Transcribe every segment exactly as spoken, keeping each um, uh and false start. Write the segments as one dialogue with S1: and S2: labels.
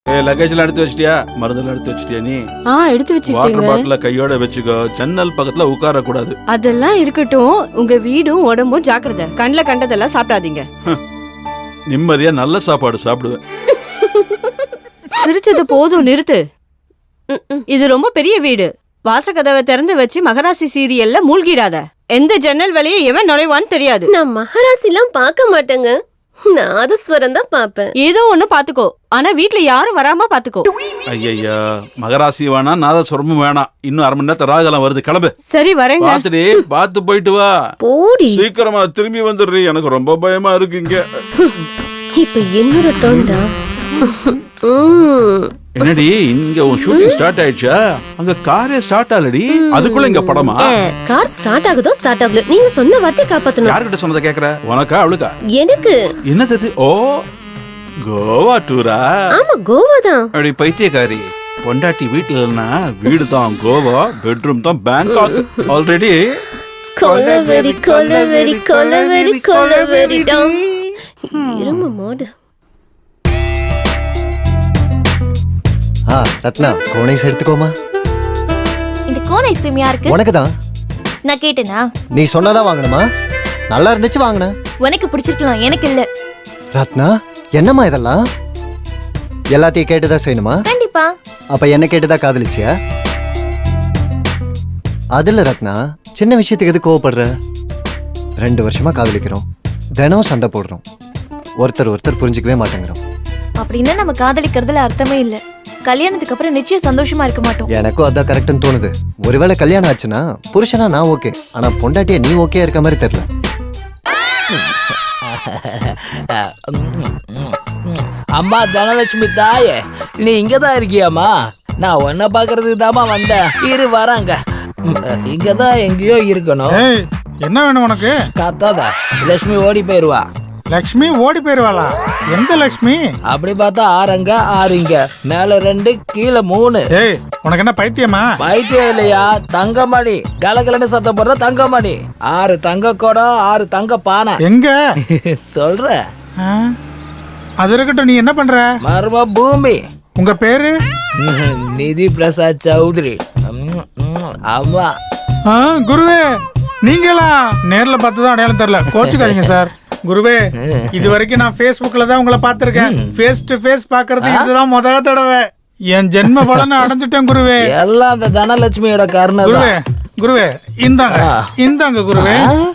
S1: ஏ லக்கேஜ்ல எடுத்து வச்சிட்டியா? மருந்தெல்லாம் எடுத்து வச்சிட்டியா நீ?
S2: ஆ எடுத்து
S1: வாட்டர்
S2: வச்சிட்டீங்க.
S1: பாட்டில கையோட வச்சுக்கோ. ஜன்னல் பக்கத்துல உட்கார கூடாது.
S2: அதெல்லாம் இருக்கட்டும். உங்க வீடும் உடம்பும் ஜாக்கிரதை. கண்ணுல கண்டதெல்லாம் சாப்பிடாதீங்க.
S1: நிம்மதியா நல்ல சாப்பாடு சாப்பிடுவேன்.
S2: சிரிச்சது போதும், நிறுத்து. இது ரொம்ப பெரிய வீடு. வாசக்கதவை திறந்து வச்சு மகராசி சீரியல்ல மூழ்கிடாத. எந்த ஜன்னல் வழியே எவன் நுழைவான்னு தெரியாது.
S3: நான் மகராசிலாம் பார்க்க மாட்டேங்க. நாதஸ்வரம் தான் பாப்பேன்.
S2: ஏதோ ஒண்ணு பாத்துக்கோ. ஆனா வீட்ல யாரும் வராம பாத்துக்கோ.
S1: ஐயா மகராசி வேணாம், நாதஸ்வரமும் வேணாம். இன்னும் அரை மணி நேரத்துல ராகலாம் வருது, கிளம்பு.
S2: சரி வரேங்க.
S1: பாத்துடி, பாத்து போயிட்டு வா.
S3: போடி.
S1: சீக்கிரமா திரும்பி வந்துடுறீ. எனக்கு ரொம்ப பயமா இருக்கு இங்க.
S3: இப்ப என்னோட டோன்டா.
S1: என்னடி இங்க உன் ஷூட்டிங் ஸ்டார்ட் ஆயிடுச்சா? அங்க காரே ஸ்டார்ட் ஆகலடி, அதுக்குள்ள இங்க படமா?
S3: கார் ஸ்டார்ட் ஆகுதோ ஸ்டார்ட் ஆகல, நீங்க சொன்ன வார்த்தை காப்பாத்தணும்.
S1: யார்கிட்ட சொன்னதை கேக்குற? உனக்கா அவளுக்கா?
S3: எனக்கு.
S1: என்னது? ஓ கோவா டூரா?
S3: ஆமா கோவா தான்.
S1: அப்படி பைத்தியக்காரி. பொண்டாட்டி வீட்டுல இல்லைன்னா வீடு தான் கோவா, பெட்ரூம் தான் பேங்காக். ஆல்ரெடி
S3: கொலவெரி கொலவெரி கொலவெரி கொலவெரி டாம். இரும மோடு.
S4: ஆ ரத்னா, கோன் ஐஸ் எடுத்துக்கோமா.
S5: இந்த கோன் ஐஸ்கிரீம் யாருக்கு?
S4: உனக்கு தான்.
S5: நான் கேட்டேனா?
S4: நீ சொன்னதா வாங்கணுமா? நல்லா இருந்துச்சு வாங்கினேன்.
S5: உனக்கு பிடிச்சிருக்கலாம், எனக்கு இல்ல.
S4: ரத்னா, என்னம்மா இதெல்லாம்? எல்லாத்தையும் கேட்டுதான் செய்யணுமா?
S5: கண்டிப்பா.
S4: அப்ப என்ன கேட்டுதான் காதலிச்சியா? அதுல ரத்னா, சின்ன விஷயத்துக்கு எது கோவப்படுற? ரெண்டு வருஷமா காதலிக்கிறோம், தினம் சண்டை போடுறோம், ஒருத்தர் ஒருத்தர் புரிஞ்சுக்கவே மாட்டேங்கிறோம்.
S5: அப்படின்னா நம்ம காதலிக்கிறதுல அர்த்தமே இல்ல. கல்யாணத்துக்கு அப்புறம் நிச்சயம் சந்தோஷமா இருக்க மாட்டோம்.
S4: எனக்கும் அதான் கரெக்ட்னு தோணுது. ஒருவேளை கல்யாணம் ஆச்சுன்னா புருஷனா நான் ஓகே, ஆனா பொண்டாட்டிய நீ ஓகே இருக்க மாதிரி தெரியல.
S6: அம்மா தனலட்சுமி தாயே, நீ இங்கதான் இருக்கியாமா? நான் உன்னை பாக்குறதுக்கு தாமா வந்தேன். இரு வராங்க. இங்கதான் எங்கேயோ இருக்கணும்.
S7: ஏய், என்ன வேணும் உனக்கு?
S6: காத்தாதா லட்சுமி ஓடி போயிருவா.
S7: லக்ஷ்மி ஓடி போயிருவாளா? எந்த லக்ஷ்மி?
S6: அப்படி பார்த்தா ஆறுங்க ஆறுங்க, மேல ரெண்டு கீழே மூணு.
S7: ஏய், உனக்கு என்ன பைத்தியமா?
S6: பைத்தியம் இல்லையா, தங்கமணி. கலகலன்னு சத்தம் போடுற தங்கமணி. ஆறு தங்க குடம், ஆறு தங்க பானை.
S7: எங்க
S6: சொல்ற?
S7: ஆ, அது இருக்கட்டும். நீ என்ன பண்ற?
S6: மர்ம பூமி.
S7: உங்க பேரு?
S6: நிதி பிரசாத் சௌத்ரி. ஆமா.
S7: ஆ, குருவே நீங்களா? நேர்ல பார்த்ததும் அடையாளம் தெரியல, கோச்சுக்காதீங்க சார். குருவே, இது வரைக்கும் நான் Facebookல தான் உங்களை பார்த்திருக்கேன். ஃபேஸ் டு ஃபேஸ் பாக்குறது இதுதான் முதல் தடவை. என் ஜென்ம பலனை அடைஞ்சிட்டேன் குருவே.
S6: எல்லாம் அந்த தனலட்சுமியோட காரணம்.
S7: குருவே குருவே இந்தாங்க இந்தாங்க குருவே.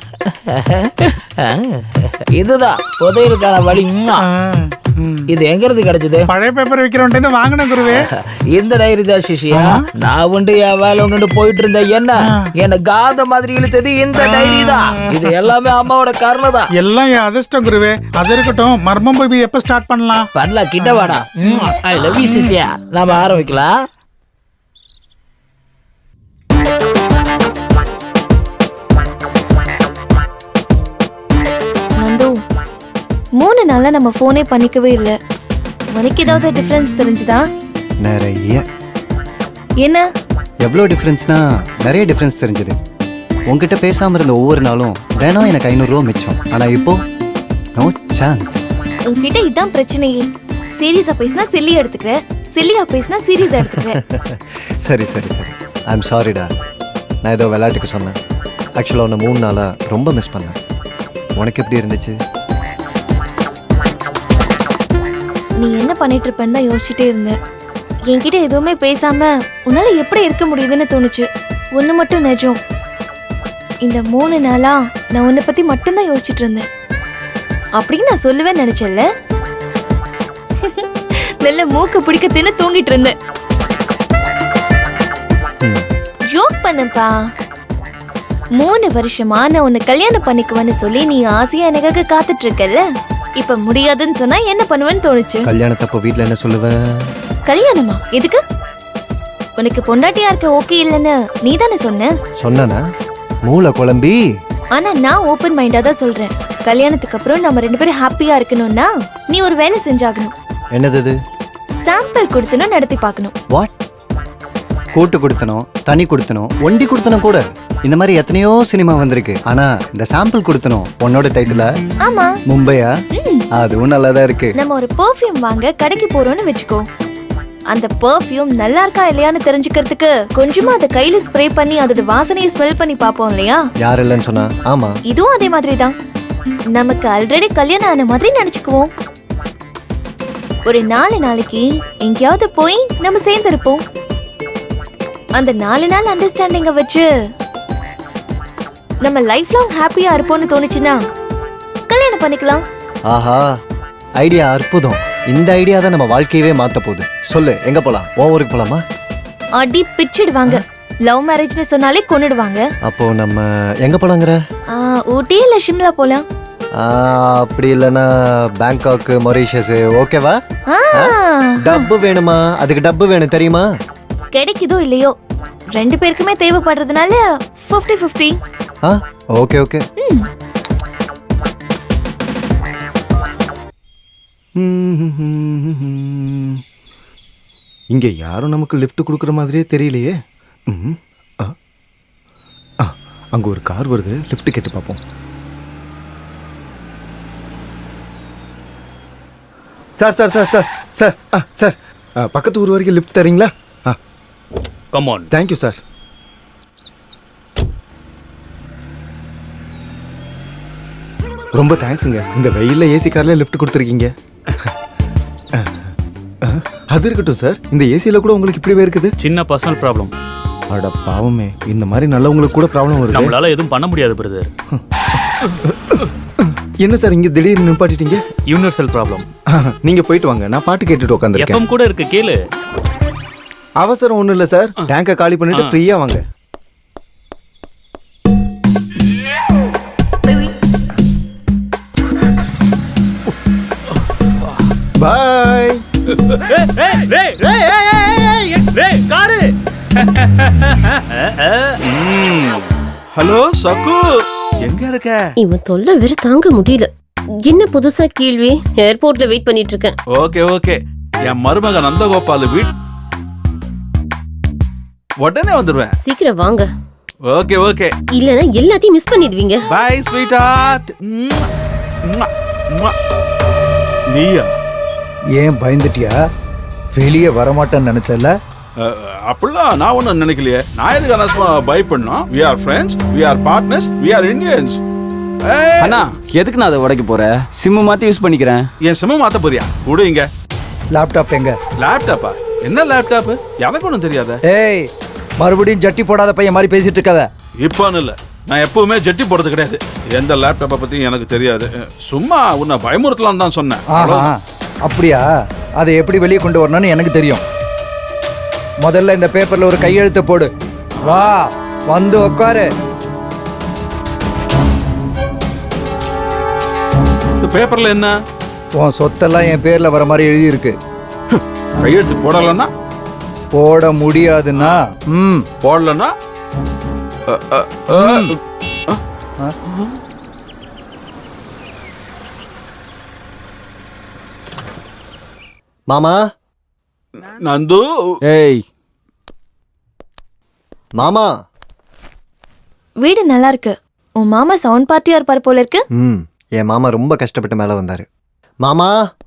S6: இதுதான் புதையலுக்கான வழி. இது எங்க இருந்து கிடைச்சது?
S7: பழைய பேப்பர் விக்கிறவன்ட்டு வாங்கினேன் குருவே.
S6: இந்த டைரி தான் சிஷியா. நான் உண்டு என் வேலை ஒன்று போயிட்டு இருந்தேன். என்ன என்ன காத மாதிரி இழுத்தது இந்த டைரி தான். இது எல்லாமே அம்மாவோட காரணம் தான்.
S7: எல்லாம் என் அதிர்ஷ்டம் குருவே. அது இருக்கட்டும், மர்மம் பேபி எப்ப ஸ்டார்ட் பண்ணலாம்?
S6: பண்ணலாம், கிட்ட வாடா. ஐ லவ் யூ சிஷியா. நாம ஆரம்பிக்கலாம்.
S5: நந்து, மூணு நாளா நம்ம போனே பண்ணிக்கவே இல்ல. உனக்கு ஏதாவது டிஃபரன்ஸ் தெரிஞ்சுதா?
S4: நிறைய.
S5: என்ன?
S4: எவ்வளோ டிஃப்ரென்ஸ்னா நிறைய டிஃப்ரென்ஸ் தெரிஞ்சது. உங்ககிட்ட பேசாம இருந்த ஒவ்வொரு நாளும் தினம் எனக்கு ஐநூறு ரூபா மிச்சம். ஆனா இப்போ நோ சான்ஸ்.
S5: உன்கிட்ட இதான் பிரச்சனையே. சீரியஸா பேசினா சில்லி எடுத்துக்கிற, சில்லியா பேசினா சீரியஸா எடுத்துக்கிற.
S4: சரி சரி சரி, ஐ எம் சாரிடா. நான் ஏதோ விளையாட்டுக்கு சொன்னேன். ஆக்சுவலாக உன்னை மூணு நாளா ரொம்ப மிஸ் பண்ணேன். உனக்கு எப்படி இருந்துச்சு?
S5: நீ என்ன பண்ணிட்டு இருப்பேன்னு தான் யோசிச்சுட்டே இருந்தேன். என்கிட்ட எதுவுமே பேசாம உன்னால எப்படி இருக்க முடியுதுன்னு தோணுச்சு. ஒண்ணு மட்டும் நிஜம், இந்த மூணு நாளா நான் உன்னை பத்தி மட்டும்தான் யோசிச்சுட்டு இருந்தேன். அப்படின்னு நான் சொல்லுவேன்னு நினைச்சல. நல்ல மூக்கு பிடிக்க தின்னு தூங்கிட்டு இருந்தேன். ஜோக் பண்ணப்பா. மூணு வருஷமா நான் உன்னை கல்யாணம் பண்ணிக்குவேன்னு சொல்லி நீ ஆசையா எனக்காக காத்துட்டு இருக்கல. இப்ப முடியாதுன்னு சொன்னா என்ன பண்ணுவேன்னு தோணுச்சு.
S4: கல்யாணத்தப்போ வீட்டில் என்ன சொல்லுவேன்?
S5: கல்யாணமா? எதுக்கு? உனக்கு பொண்டாட்டியா இருக்க ஓகே இல்லைன்னு நீ தானே சொன்ன.
S4: சொன்னானா? மூளை குழம்பி.
S5: ஆனா நான் ஓபன் மைண்டா தான் சொல்றேன். கல்யாணத்துக்கு அப்புறம் நம்ம ரெண்டு பேரும் ஹாப்பியா இருக்கணும்னா நீ ஒரு வேலை செஞ்சாகணும்.
S4: என்னது அது?
S5: சாம்பிள் கொடுத்தனும் நடத்தி பார்க்கணும்.
S4: வாட்? கூட்டு கொடுத்தனும், தனி கொடுத்தனும், ஒண்டி கொடுத்தனும் கூட. இந்த மாதிரி எத்தனையோ சினிமா வந்திருக்கு. ஆனா இந்த சாம்பிள் கொடுத்தனும் உன்னோட டைட்டிலா?
S5: ஆமா.
S4: மும்பையா? அதுவும் நல்லாதான் இருக்கு.
S5: நம்ம ஒரு பெர்ஃப்யூம் வாங்க கடைக்கு போறோம்னு வெச்சுக்கோ. அந்த பெர்ஃப்யூம் நல்லா இருக்கா இல்லையான்னு தெரிஞ்சுக்கிறதுக்கு கொஞ்சமா அதை கையில ஸ்ப்ரே பண்ணி அதோட வாசனையை ஸ்மெல் பண்ணி பார்ப்போம் இல்லையா?
S4: யார் இல்லைன்னு சொன்னா? ஆமா.
S5: இதுவும் அதே மாதிரி தான். நமக்கு ஆல்ரெடி கல்யாணம் ஆன மாதிரி நினைச்சுக்குவோம். ஒரு நாலு நாளைக்கு எங்கேயாவது போய் நம்ம சேர்ந்து இருப்போம். அந்த நாலு நாள் அண்டர்ஸ்டாண்டிங்க வச்சு நம்ம லைஃப் லாங் ஹாப்பியா இருப்போம்னு தோணுச்சுன்னா கல்யாணம் பண்ணிக்கலாம்.
S4: ஆஹா, ஐடியா அற்புதம். இந்த ஐடியா தான் நம்ம வாழ்க்கையவே மாத்த போகுது. சொல்லு, எங்க போலாம்? உன் ஊருக்கு போலாமா?
S5: அடி பிச்சிடுவாங்க. லவ் மேரேஜ்னு சொன்னாலே கொன்னுடுவாங்க.
S4: அப்போ நம்ம எங்க போலாங்கிற?
S5: ஆ, ஊட்டி இல்ல ஷிம்லா போலாம்.
S4: ஆ, அப்படி இல்லைன்னா பேங்காக், மொரீஷியஸ், ஓகேவா?
S5: ஆ,
S4: டப்பு வேணுமா? அதுக்கு டப்பு வேணும் தெரியுமா?
S5: கிடைக்குதோ இல்லையோ ரெண்டு பேருக்குமே தேவைப்படுறதுனால ஃபிஃப்டி ஃபிஃப்டி.
S4: ஆ, ஓகே ஓகே.
S8: இங்க யாரும் நமக்கு லிஃப்ட் கொடுக்குற மாதிரியே தெரியலையே. ம், ஆ, ஆ, அங்க ஒரு கார் வருது, லிஃப்ட் கேட்டு பார்ப்போம். Sir sir sir sir sir ஆ சார் ஆ, பக்கத்து ஊர் வரைக்கும் லிஃப்ட் தரீங்களா? ஆ,
S1: கம் ஆன்.
S8: Thank you sir. ரொம்ப தேங்க்ஸுங்க. இந்த வெயில்ல ஏசி கார்ல லிஃப்ட் கொடுத்துருக்கீங்க. அது இருக்கட்டும் சார், இந்த ஏசியில கூட உங்களுக்கு இப்படி இருக்குது?
S9: சின்ன பர்சனல் ப்ராப்ளம்.
S8: அட பாவமே, இந்த மாதிரி நல்லவங்களுக்கு கூட ப்ராப்ளம் வருது.
S9: நம்மளால எதுவும் பண்ண முடியாது பிரதர்.
S8: என்ன சார் இங்க திடீர்னு நிப்பாட்டிட்டீங்க?
S9: Universal problem.
S8: நீங்க போயிட்டு வாங்க, நான் பாட்டு கேட்டுட்டு உட்காந்துருக்கேன்.
S9: எஃப்எம் கூட இருக்கு, கேளு.
S8: அவசரம் ஒண்ணும் இல்ல சார், டேங்கை காலி பண்ணிட்டு ஃப்ரீயா வாங்க. பாய்.
S9: காரு.
S1: ஹலோ சகு, எங்க இருக்க?
S3: இவன் தொல்லை வேற தாங்க முடியல. என்ன புதுசா கேள்வி? ஏர்போர்ட்ல வெயிட் பண்ணிட்டு இருக்கேன்.
S1: ஓகே ஓகே, என் மருமக நந்தகோபால் வீட் உடனே வந்துருவேன்.
S3: சீக்கிரம் வாங்க,
S1: ஓகே ஓகே.
S3: இல்லனா எல்லாத்தையும் மிஸ் பண்ணிடுவீங்க.
S1: Bye sweetheart. நீயா?
S10: ஏன் பயந்துட்டியா? வெளியே வரமாட்டேன்னு நினைச்சல?
S1: அஹ், அப்படிலாம் நான் ஒன்றும் நினைக்கலையே. நான் எதுக்கு அனஸ்மா பை பண்ணோம்? We are friends, we are partners, we are Indians.
S11: அண்ணா, எதுக்கு நான் அதை உடைக்க போறேன்? சிம்மு மாத்தி யூஸ் பண்ணிக்கிறேன்.
S1: என் சிம்ம மாத்த போறியா? கூட இங்க
S10: லேப்டாப் எங்க?
S1: லேப்டாப்பா? என்ன லேப்டாப்? எனக்கு ஒன்றும் தெரியாத.
S10: ஏய், மறுபடியும் ஜட்டி போடாத பையன் மாதிரி பேசிட்டு இருக்காத.
S1: இப்போன்னு இல்லை, நான் எப்பவுமே ஜட்டி போடுறது கிடையாது. எந்த லேப்டாப்பை பற்றியும் எனக்கு தெரியாது. சும்மா உன்னை பயமுறுத்தலான்னு தான் சொன்னேன்.
S10: ஆஹா, அப்படியா? அதை எப்படி வெளியே கொண்டு வரணும்னு எனக்கு தெரியும். முதல்ல இந்த பேப்பர்ல ஒரு கையெழுத்து போடு. வா, வந்து உட்காரு.
S1: இந்த பேப்பர்ல என்ன?
S10: உன் சொத்தெல்லாம் என் பேர்ல வர மாதிரி எழுதி இருக்கு.
S1: கையெழுத்து போடலன்னா?
S10: போட முடியாதுன்னா ம்
S1: போடலன்னா? அ, அ, அ, அ.
S4: மாமா,
S1: நந்து.
S11: ஏய்,
S4: மாமா.
S5: வீடு நல்லா இருக்கு. உன் மாமா சவுண்ட் பார்ட்டியா இருப்பார் போல இருக்கு.
S4: ம், என் மாமா ரொம்ப கஷ்டப்பட்டு மேல வந்தாரு. மாமா.